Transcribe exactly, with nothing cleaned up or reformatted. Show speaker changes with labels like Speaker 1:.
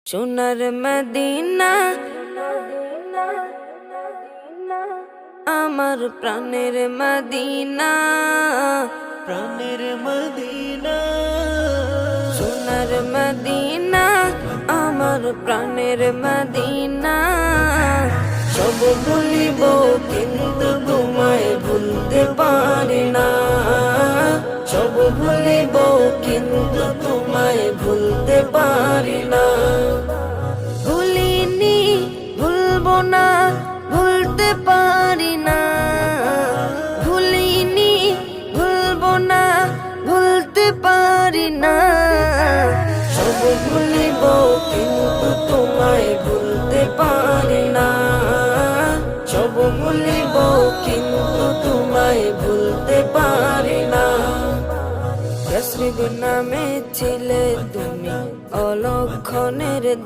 Speaker 1: সোনার মদিনা আমার প্রাণের মদিনা,
Speaker 2: প্রাণের মদিনা,
Speaker 1: সোনার মদিনা আমার প্রাণের মদিনা। সব ভুলিব কিন্তু তোমায় ভুলতে পারি না, সব ভুলিব কিন্তু তোমায় ভুলতে পারি না। ভুলিনি ভুলবো না ভুলতে পারি না, ভুলিনি ভুলবো না ভুলতে পারি না। সব ভুলিব কিন্তু তোমায় ভুলতে পারি না, সব ভুলিব কিন্তু তোমায় ভুলতে পারি না। রসিদ নামে ছিলে তুমি অলক্ষণের